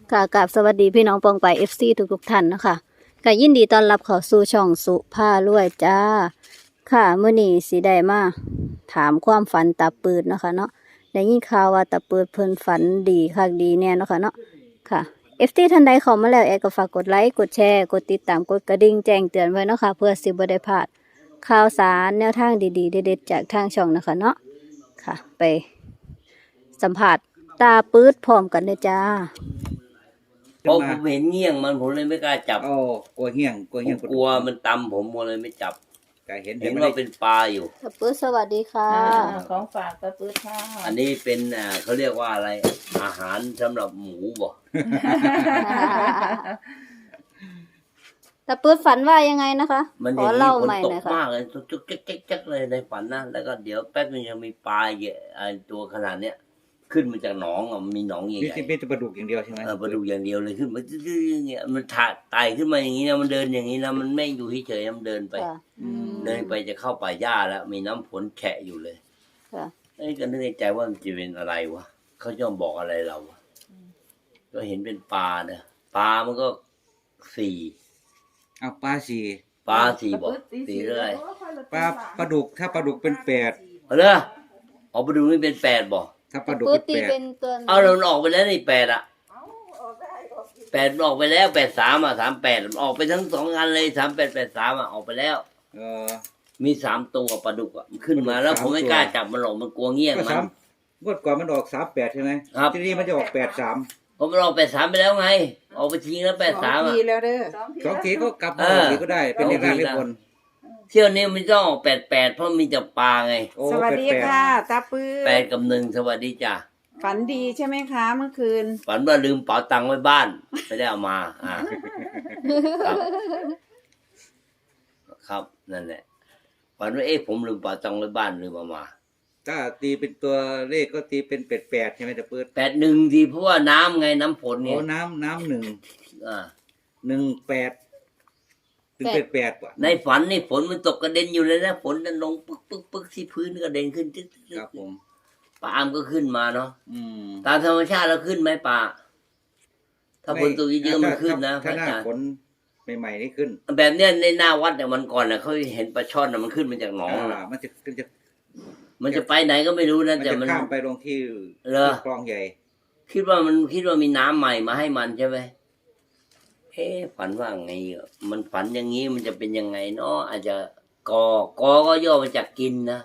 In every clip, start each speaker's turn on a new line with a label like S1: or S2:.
S1: ค่ะกราบสวัสดีพี่น้องปองไป FC ทุกท่านนะคะก็ยินดีต้อนรับเข้าสู่ช่องสุภารวยจ้าค่ะมื้อนี้สิได้มาถามความฝันตาปืดเนาะคะเนาะได้ยินข่าวว่าตาปืดเพิ่นฝันดีคักดีแน่เนาะค่ะเนาะค่ะ FC ท่านใดเข้ามาแล้วก็ฝากกดไลค์กดแชร์กดติดตามกดกระดิ่งแจ้งเตือนไว้เนาะค่ะเพื่อสิบ่ได้พลาดข่าวสารแนวทางดีๆเด็ดๆจากทางช่องนะคะเนาะค่ะไปสัมผัสตาปืดพร้อมกันเลยจ้า
S2: เพราะผมเห็นเงี้ยงมันผมเลยไม่กล้าจับ
S3: โอ้กลัวเหี้ยงกลัว
S2: ผ
S3: เหี้ยง
S2: มกลัวมันตำผมเลยไม่จับ
S3: ก็เห็น
S2: เห็น
S3: ไม่
S2: ว่า
S3: ได้
S2: เป็นปลาอยู่
S1: ตาปืดสวัสดีค่ะ
S4: ของฝากตะปื้ดค่ะ
S2: อันนี้เป็นเขาเรียกว่าอะไร อาหารสำหรับหมูบ่
S1: ตาปืดฝันว่ายังไงนะคะ
S2: มัน
S1: ข
S2: อ
S1: อย่าง
S2: นี้
S1: เล่า
S2: ฝน
S1: ใหม่
S2: ต
S1: หน่
S2: ก
S1: อยค่ะ
S2: มากเลยจุกๆจ๊กๆเลยในฝันนะแล้วก็เดี๋ยวแป๊บนึงยังมีปลาเยอะตัวขนาดเนี้ยขึ้นมาจากหนองมีหนองให
S3: นี่
S2: ญ่
S3: ที่เป็นปลาดุกอย่างเดียวใช่ไหม
S2: ๆปลาดุกอย่างเดียวเลยขึ้นมาจื้อๆอย่างเงี้ยมันไต่ขึ้นมาอย่างนี้นะมันเดินอย่างนี้นะมันไม่อยู่เฉยๆมันเดินไป
S1: ค่ะ
S2: เดินไปจะเข้าป่าหญ้าแล้วมีน้ำฝนแฉะอยู่เลย
S1: ค่ะ
S2: ไอ้ก็นึกในใจว่ามันจะเป็นอะไรวะเขาจะบอกอะไรเราวะก็เห็นเป็นปลาเนี่ยปลามันก็สี่
S3: เอาปลาสี่
S2: ปลาสี่บอกสี่เรื่อย
S3: ปลาดุกถ้าปลาดุกเป็นแปด
S2: เอาเลยออกไปดูนี่เป็นแปดบอก
S3: ถ้าปลาดุก
S1: ปืด
S3: เป็น
S1: ตี
S3: แปด
S1: เป็นตัวไหน
S2: เอาเราออกไปแล้วนี่แปดอะแปดออกไปแล้ว83อะ38ออกไปทั้งสองงานเลย3883อะออกไปแล้ว
S3: เออ
S2: มี3ตัวปลาดุกอะมันขึ้นมาแล้วผมไม่กล้าจับมันหรอกมันกลัวเงี้ยง
S3: ก็
S2: มั
S3: สาน มงวดก่อนมันออก38ใช่ไหม
S2: ครับ
S3: ทีนี้มันจะออก83
S2: ผมมันออก83ไปแล้วไง ออกไปทิ้งแล้ว83อะ
S4: ทีแล้วเด้อ
S3: สองทีก็กลับมาออกอีกก็ได้เป็นเลขล่างเลขบน
S2: เที่ยวนี้มันต้องออก88เพราะมีแต่ปลาไง
S3: โอ้
S4: สวัสดี
S3: 88
S4: ค่ะตาปื้
S2: แปด
S4: ด
S2: กับหนึ่งสวัสดีจ้ะ
S4: ฝันดีใช่ไหมคะเมื่อคืน
S2: ฝันว่าลืมเป๋าตังค์ไว้บ้าน ไม่ได้เอามาครับ ครับนั่นแหละฝันว่าผมลืมเป๋าตังค์ไว้บ้านลืมเอามา
S3: ถ้าตีเป็นตัวเลขก็ตีเป็น8ใช่ไหมตะเปิด
S2: 81ดีเพราะว่าน้ำไงน้ำฝนไง
S3: โอ้น้ำหนึ่ง
S2: อ่า
S3: 18ถึง88กว่า
S2: ในฝันนี่ฝนมันตกกระเด็นอยู่เลยนะฝนมันลงปึ๊กที่พื้นกระเด็นขึ้นจึ๊ก
S3: ครับผม
S2: ปลาอามก็ขึ้นมาเนาะ
S3: อืม
S2: ตามธรรมชาติเราขึ้นไหมปลาถ้าฝนตกเยอะๆมันขึ้นนะพ
S3: ถ้า
S2: ระ
S3: หน้า
S2: อาจารย์
S3: ฝนใหม่ๆนี่ขึ้น
S2: แบบเนี้ยในหน้าวัดเนี่ยมันก่อนนะเขาเห็นปลาช่อนน่ะมันขึ้นมาจากหนองน่ะ
S3: มันจะ
S2: มันจะไปไหนก็ไม่รู้นะ
S3: มัน
S2: แต่
S3: จะ
S2: มัน
S3: ข้ามไปลงที่
S2: เหรอ
S3: คลองใหญ่
S2: คิดว่ามีน้ำใหม่มาให้มันใช่ไหมฝันว่าไงอ่ะมันฝันอย่างนี้มันจะเป็นยังไงเนาะอาจจะกก็ย่อมาจากกินนะ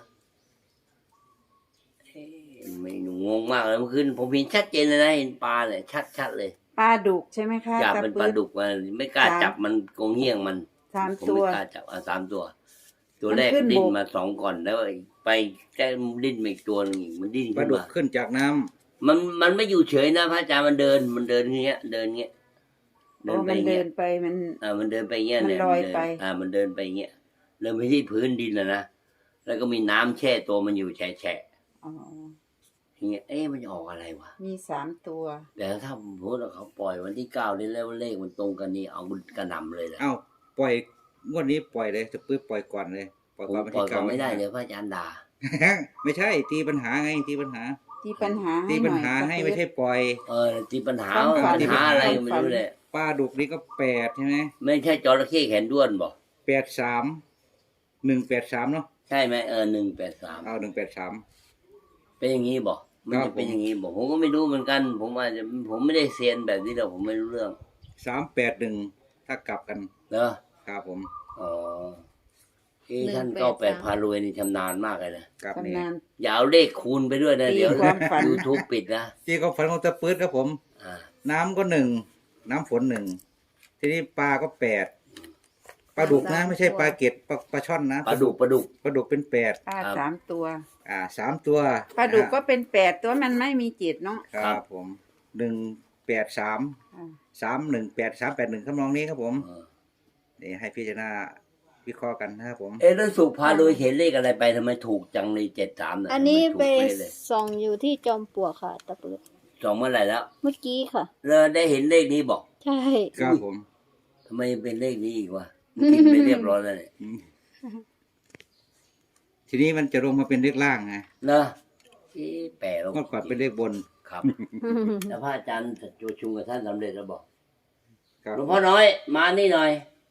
S2: ไม่หนูงงมากเลยเมื่อคืนผมเห็นชัดเจนเลยนะเห็นปลาเลยชัดเลย
S4: ปลาดุกใช่ไหมคะ
S2: อยาก
S4: ตา
S2: เป็นป
S4: ปื้
S2: ลา
S4: ด
S2: ดุกมาไม่กล้าจับมันโกงเงี้ยงมัน
S4: 3
S2: ผม
S4: ตัว
S2: ไม่กล้าจับ3 ตัว ตัวแรก
S4: มันขึ้น
S2: ดิ้น
S4: บก
S2: มา2ก่อนแล้วไปแก้ดิ้นมาอีกตัวหนึงอีกมันดิ้น
S3: ปลา
S2: ขึ้น
S3: ดุก
S2: มา
S3: ขึ้นจากน้ำ
S2: มันไม่อยู่เฉยนะพระอาจารย์มันเดินเงี้ยเดินเงี้ย
S4: โอ้มันเดินไปมัน
S2: มันเดินไปเงี้ย
S4: มัน
S2: เนี่ย
S4: ลอยไป
S2: มันเดินไปเงี้ยเดินไปที่พื้นดินนะแล้วก็มีน้ำแช่ตัวมันอยู่แฉะ
S4: อ๋อ
S2: อย่างเงี้ยมันจะออกอะไรวะ
S4: มี3 ตัว
S2: แต่ถ้าสมมติว่าเขาปล่อยวันที่9นี่แล้วเลขมันตรงกันนี่เอากระหน่ำเลยแหละ
S3: เอ้าปล่อยงวดนี้ปล่อยเลยจะปื้ดปล่อยก่อนเลยปล่อย
S2: ผม
S3: ก่อนวัน
S2: ปล่อย
S3: ที่
S2: ก็
S3: 9
S2: ไม่ได้เดี๋ยวพระอาจารย์ด่า
S3: ไม่ใช่ตีปัญหาไงตีปัญหา
S4: ที่ปัญหา
S3: ตี
S4: ให้ห
S3: ปัญ
S4: น่อย
S3: หา
S4: ตา
S3: ให้
S4: ปื้
S3: ไม่
S4: ด
S3: ใช่ปล่อย
S2: ที่ปัญหา
S4: ความฝัน
S2: ปัญหาอะไรก็ไม่รู้เลย
S3: ปลาดุกนี่ก็8ใช่ไหม
S2: ไม่ใช่จระเข้แขนด้วนบอก
S3: 83 183เนาะ
S2: ใช่ไหม183
S3: เอา183
S2: เป็นอย่างนี้บอกมัน
S3: ครั
S2: จะ
S3: บ
S2: เป็นอย่างนี้บอกผมก็ไม่รู้เหมือนกัน ผมไม่ได้เซียนแบบนี้หรอกผมไม่รู้เรื่อง
S3: 381ถ้ากลับกัน
S2: เนอะ
S3: ครับผม
S2: อ๋อท่าน98พารวยนี่ชำนาญมากเลยนะ
S3: กลับนี่
S4: ตำนาน
S2: อย่าเอาเลขคูณไปด้วยนะ
S4: ตี
S2: เดี๋ยว
S4: ความฝัน
S2: YouTube ปิดนะ
S3: ที่เขาฝันของตะปื้ดครับผม
S2: อ่า
S3: น้ำก็1น้ำฝน1ทีนี้ปลาก็8ปลาดุกนะไม่ใช่ปลาเก็ดปลาช่อนนะ
S2: ปลาดุก
S3: ปลาดุกเป็น8
S4: ปลา
S2: ครับ
S4: 3 ตัว
S3: 3 ตัว
S4: ปลาดุกก็เป็น8ตัวมันไม่มีจิตเนาะ
S3: ครับผม183
S4: อ่า
S3: 318 381คำนองนี้ครับผม
S2: เออ
S3: นี่ให้พิจารณาวิเคราะห์กันนะครับผม
S2: แล้วสุพารวยเห็นเลขอะไรไปทำไมถูกจังเลย73น่ะ
S1: อันนี้
S2: ทำ
S1: ไป
S2: มถูกเลย
S1: ส่องอยู่ที่จอมปลวกค่ะตาปืด
S2: สองเมื่อไหร่แล้ว
S1: เมื่อกี้ค่ะ
S2: แล้วได้เห็นเลขนี้บอก
S1: ใช่
S3: ครับผม
S2: ทำไมเป็นเลขนี้อีกวะมันกินไปเรียบร้อยแล้วเนี่ย
S3: อืมทีนี้มันจะลงมาเป็นเลขล่างไง
S2: เนอะแปลลง
S3: เมื่อก่อนเป็นเลขบน
S2: ครับครับ แล้วพระอาจารย์ประชุมกับท่านสำเร็จแล้วบอก
S3: ครับ
S2: หลวงพ่อน้อยมานี่หน่อย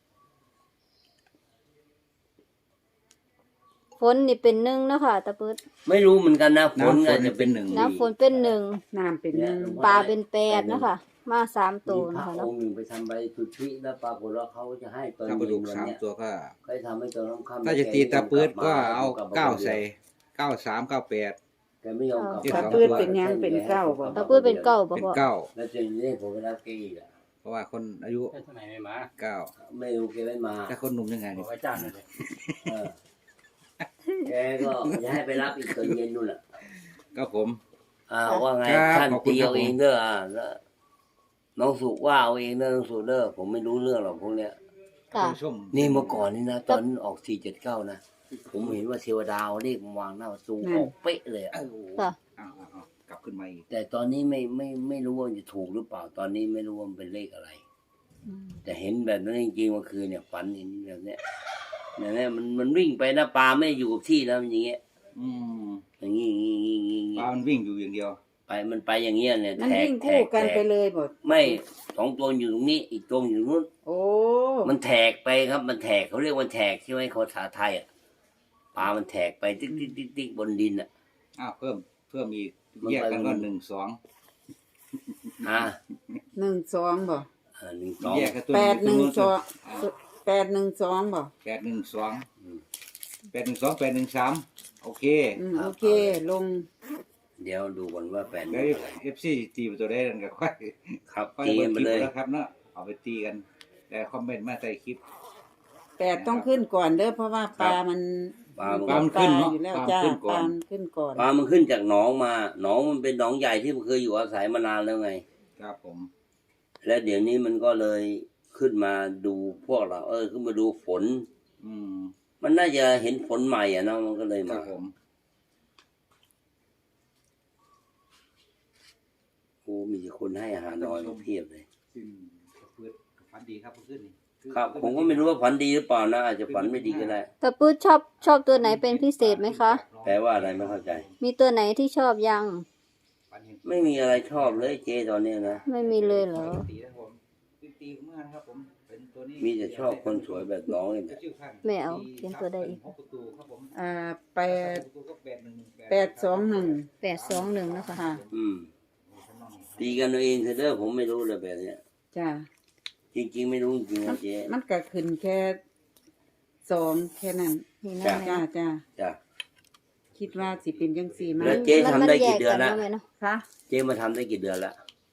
S1: ฝนนี่เป็นหนึ่งเนาะค่ะตะปืด
S2: ไม่รู้เหมือนกันนะฝน
S3: น้ำฝ
S2: ก็
S3: น
S2: จะ
S3: เป็นหนึ่ง
S1: น้ำฝนเป็นหนึ่ง
S4: น้ำเป็นหนึ่ง
S1: ปลาเป็นแปดเนาะค่ะ มาสามตัว
S2: มีพ
S1: นะ
S2: ระ
S1: คะ
S2: อ
S1: เนาะ
S2: งค์หนึ่งไปทำใบสุทธิแล้วปรากฏว่าเขาจะให้ตอน
S3: ถ้าปลา
S2: เย็
S3: ดุ
S2: น
S3: ก
S2: วัน
S3: สาม
S2: เนี้ย
S3: ตัวก็
S2: ก็ทำให้ตอนน้ำค่ำ
S3: ถ้าจะตีตาปืดก็เอา9ใส่93 98
S2: แกไม่ยอมกลับ
S4: ตาปืดเป็นยังเป็นเก้าบ่
S1: ตะปืดเป็นเก้าบ่
S3: เป็น
S1: พ่อ
S3: 9
S2: แล้วเจนนี่ผมไปรับแกอีกอ่ะ
S3: เพราะว่าคนอายุ
S5: ทำไมไม่มา
S3: 9
S2: ไม่รู้แกไม่มา
S3: ถ้าคนหนุ่มยังไง
S5: บ
S3: นี่
S5: อกว่าจ้างหน่อยเลย
S2: เออแกก็จะให้ไปรับอีกตอนเย็นนู่นแหละ
S3: ก็ผม
S2: ว่าไง
S3: ครับ
S2: ท่าน
S3: ขอบคุณ
S2: ตี
S3: ครับ
S2: เอาเองเด้อแล้วน้องสุกว่าเอาเองเด้อน้องสุกเด้อผมไม่รู้เรื่องหรอกพวกเนี้ย
S1: ค่ะ
S3: ผู้ชม
S2: นี่เมื่อก่อนนี่นะตอนออก479นะผมเห็นว่าเทวดาเอาเลขมาวางหน้าประตูออกเป๊ะเลยอะ
S3: เอ้า
S1: ค่ะ
S3: เอากลับขึ้นมาอีก
S2: แต่ตอนนี้ไม่รู้ว่าจะถูกหรือเปล่า ตอนนี้ไม่รู้ว่ามันเป็นเลขอะไร แต่เห็นแบบนั้นจริงๆเมื่อคืนเนี่ยฝันเห็นแบบเนี้ยแบบเนี้ยมันวิ่งไปนะปลาไม่ได้อยู่กับที่แล้วมันอย่างเงี้ย
S3: อืม
S2: อย่างงี้อย่างงี้อย่างงี้อย่าง
S3: ป
S2: งี้
S3: ลามันวิ่งอยู่อย่างเดียว
S2: ไปมันไปอย่างเงี้ยเนี่ย
S4: มัน
S2: แทก
S4: วิ่ง
S2: แท
S4: คู่
S2: ก
S4: กัน
S2: แท
S4: ไป
S2: ก
S4: เลยบ่
S2: ไม่2ตัวอยู่ตรงนี้ อีกตัวอยู่ตรงนู้น
S4: โอ้
S2: มันแทกไปครับ มันแทกเขาเรียกว่าแทกใช่ไหมภาษาไทยอ่ะปลามันแทกไปติ๊กติ๊กติ๊กติ๊กบนดินอ่ะ
S3: เพิ่มอีก
S2: มัน
S3: แยกกัน
S2: ไป
S3: ก็
S2: มัน
S3: 1 2
S2: อ่า
S4: 12บ่
S2: 1
S3: แยกกันตัว
S4: 812 812บ่
S3: 812 813โอเค
S4: โอเค ลง
S2: 2เดี๋ยวดูก่อนว่าแฟน
S3: แล้ว
S2: อะไร
S3: FC ตีประตูได้กันก็ค่อย
S2: ครับ
S3: ค่อย
S2: ตี
S3: เบิ่
S2: กั
S3: ง
S2: น
S3: ค
S2: ไป
S3: ลิป
S2: เลย
S3: แล้วครับเนาะเอาไปตีกัน แต่คอมเมนต์มาใส่คลิป
S4: 8ต้องขึ้นก่อนเด้อเพราะว่าปลามัน
S2: ปลา
S3: ปลามันขึ้นเนาะ
S4: อยู่แล้ว
S3: ปลามัน
S4: จ้า
S3: ขึ้นก่อน
S4: ปลามันขึ้นก่อน
S2: ปลามันขึ้นจากหนองมาหนองมันเป็นหนองใหญ่ที่มันเคยอยู่อาศัยมานานแล้วไง
S3: ครับผม
S2: และเดี๋ยวนี้มันก็เลยขึ้นมาดูพวกเรา ขึ้นมาดูฝน
S3: อืม
S2: มันน่าจะเห็นฝนใหม่อ่ะเนาะมันก็เลย
S3: ครั
S2: มา
S3: บผม
S2: โอ้มีคนให้อาหารน้อยมาเพียบเลย
S3: ซึ่งเพื่อนฝันดีครับเพื่อนนี่
S2: ครับ ผมก็ไม่รู้ว่าฝันดีหรือเปล่านะอาจจะฝันไม่ดีก็ได้
S1: ตะปืดชอบตัวไหนเป็นพิเศษไหมคะ
S2: แปลว่าอะไรไม่เข้าใจ
S1: มีตัวไหนที่ชอบยัง
S2: ไม่มีอะไรชอบเลยเจตอนเนี้ยนะ
S1: ไม่มีเลยเหรอ
S3: ตีนะครับผมตีเมื่อนะครับผมเป็นตัวนี้
S2: มีแต่ชอบคนสวยแบบน้องนี่แหละ
S1: ไม่เอาเขียนตัวใดอีก
S3: 6ประตูครับผม
S4: 8
S3: ประตูก็
S4: 821
S1: 821นะคะ
S4: ค่ะ
S2: อืมตีกันเอาเองเถอะเด้อผมไม่รู้เลยแบบเนี้ย
S4: จ้า
S2: จริงๆไม่รู้จริงๆนะเจ๊
S4: มันก็ขึ้นแค่2แค่นั้น
S1: นี่นะ
S4: จ้า
S1: แม่
S4: จ้า
S2: จ้ะ
S4: คิดว่าสิเป็นจังซี่มั้
S2: แล้ว
S4: ย
S2: เจ๊ทำได้กี่เดือนละ
S1: มัแยกกัเนาะ
S4: คะ
S2: เจ๊มาทำได้กี่เดือนละ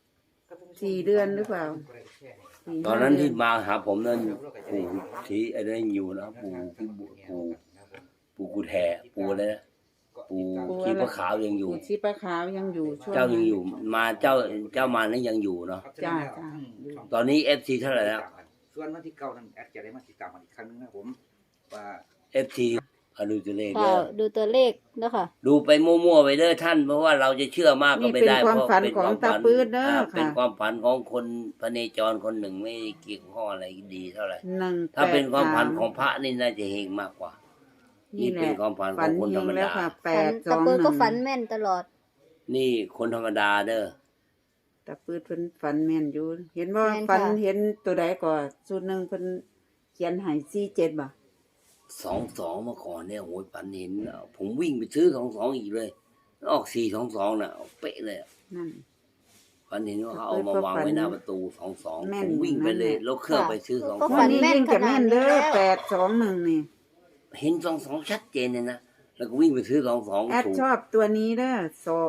S4: 4 เดือนหรือเปล่า
S2: ตอนนั้นที่มาหาผมนั่นปู่ที่ไอ้นั่นอยู่นะปู่ที่ปู่กูแทปู่อะไรนะปู่ที่พระขาวยังอยู่
S4: ปู่ชีปะขาวยังอยู่ช่วง
S2: เจ้ายังอยู่มาเจ้ามานั้นยังอยู่เนาะ
S4: จ้าจ้า
S2: ตอนนี้ FC เท่าไหร่แล้ว
S3: ส่วนวันที่9นั้นแอดจะได้มาติดตามกันอีกครั้งนึงนะครับผมว่า
S2: FC ดูตัวเลข
S1: ค่ะ
S2: เด้อ
S1: ดูตัวเลขเนาะค่ะ
S2: ดูไปมั่วๆไปเด้อท่าน เพราะว่าเราจะเชื่อมากก็
S4: นี่
S2: ไม่
S4: เป็น
S2: ได้
S4: ความ
S2: เพราะ
S4: ฝัน
S2: เป็น
S4: ของ
S2: ความ
S4: ตา
S2: ฝัน
S4: ปืดเด้อ
S2: เป็น
S4: ค่ะ
S2: ความฝันของคนพระเนจรคนหนึ่งไม่เกี่ยวข้องอะไรดีเท่าไหร่
S4: 1
S2: ถ้าเป็นความฝันของพระนี่น่าจะเฮงมากกว่า
S4: นี่
S2: นี่
S4: แห
S2: เป็น
S4: ละ
S2: ความฝันข
S4: ฝั
S2: อน งคนธรรม
S4: เฮงแล้ว
S2: ดา
S4: ค่ะ
S1: ตะปืดก็ฝัน
S4: 821
S1: แม่นตลอด
S2: นี่คนธรรมดาเด้อ
S4: ตาปืดเพิ่นฝันแม่นอยู่ เห็นบ่
S1: แม่นค่ะ
S4: ฝันเห็นตัวใดก่อนสูตรหนึงเพิ่นเขียนให้47บ่
S2: 22เมื่อก่อนเนี่ยโหยฝันเห็นผมวิ่งไปซื้อ22อีกเลยออก422น่ะเป๊ะเลย
S4: นั่น
S2: ฝันเห็นว่าเขาเอามาวางไว้หน้าประตู22
S4: แม่
S2: ผ
S4: น
S2: มวิ่งไปเลย
S4: นั่นแหละ
S2: แล้วเครื่องไปซื้อ
S1: ก็
S4: วั
S1: ฝั
S4: น
S1: น
S4: นี้
S1: แม่น
S4: ยิ่งกับ
S1: ขนา
S4: แม่
S1: ด
S4: น
S1: นี้
S4: เด้อ
S1: แล้ว
S4: 821นี่
S2: 22เห็น22ชัดเจนเลยนะแล้วก็วิ่งไปซื้อ22
S4: แอด
S2: ถูก
S4: ชอบตัวนี้เด้อ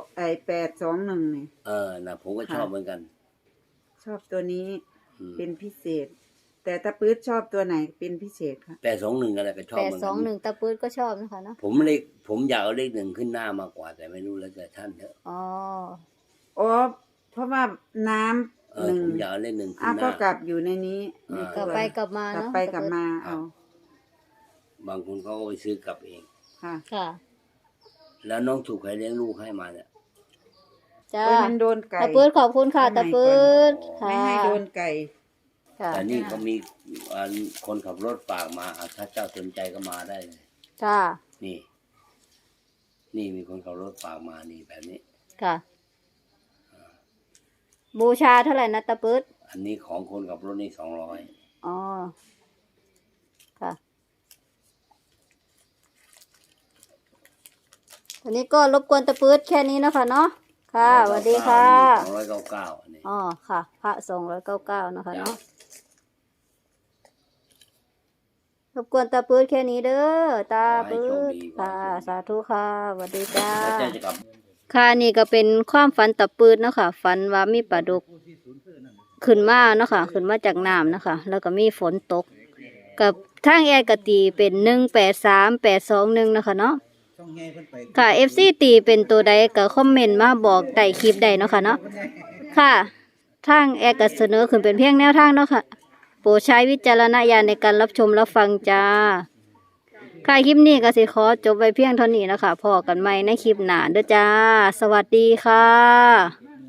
S4: 821นี่
S2: นะผมก็ชอบเหมือนกัน
S4: ชอบตัวนี้
S2: อืม
S4: เป็นพิเศษ แต่ตาปื๊ดชอบตัวไหนเป็นพิเศษคะ
S2: 821อะไรก็ชอบเหมือนกัน
S1: 821ตะปืดก็ชอบนะคะเนาะ
S2: ผมอยากเอาเลขหนึ่งขึ้นหน้ามากกว่าแต่ไม่รู้แล้วแต่ท่านเถอะ
S1: อ๋อ
S4: อ๋อเพราะว่าน้ำหนึ่ง
S2: ผมอยากเอาเลขหนึ่งขึ้
S4: อ้าน
S2: ห
S4: ก็
S2: น้าก
S4: ลับอยู่ในนี้ใน
S1: กลับ
S4: ตัว
S1: ไปกลับมาก
S4: ลับ
S1: เนาะ
S4: ไปกลับมาเอา
S2: บางคนเขาก็ไปซื้อกลับเอง
S4: ค่ะ
S1: ค่ะ
S2: แล้วน้องถูกใครเลี้ยงลูกให้มาเนี่ย
S1: จ้า
S4: โอ้ยมันโดนไก่
S1: ตะปืดขอบคุณค่ะตะปืด
S4: ไม่
S1: ค่ะ
S4: ให้โดนไก่
S1: ค่ะ
S2: แต่นี่ก็มีคนขับรถฝากมาถ้าเจ้าสนใจก็มาได้เลย
S1: ค่ะ
S2: นี่ นี่มีคนขับรถฝากมานี่แบบนี้
S1: ค่ะบูชาเท่าไหร่นะตะปืด
S2: อันนี้ของคนกับรถนี่200
S1: อ๋อค่ะตอนนี้ก็รบกวนตะปืดแค่นี้นะคะเนาะค่ะสวัสดีค่ะ
S2: 299อันนี้
S1: อ๋อค่ะ พระ299นะคะเนาะรบกวนตาปืดแค่นี้เด้อตาปืดค่ะสาธุค่ะสวัสดีจ้า
S2: แล้วเจ้าจะกลับ
S1: ค่ะนี่ก็เป็นความฝันตะปืดเนาะค่ะฝันว่ามีปลาดุกขึ้นมาเนาะค่ะขึ้นมาจากน้ำเนาะค่ะแล้วก็มีฝนตก กับทางแอร์กตีเป็น183821นะคะเนาะ
S3: ช่องไงเพิ่นไป
S1: ค่ะ FC ตีเป็นตัวใดก็คอมเมนต์มาบอกใต้คลิปได้เนาะค่ะเนาะค่ะทางแอร์ก็เสนอขึ้นเป็นเพียงแนวทางเนาะค่ะโปรดใช้วิจารณญาณในการรับชมรับฟังจ้าค่ะคลิปนี้ก็สิขอจบไว้เพียงเท่านี้นะคะพอกันใหม่ในคลิปหน้าเด้อจ้า สวัสดีค่ะ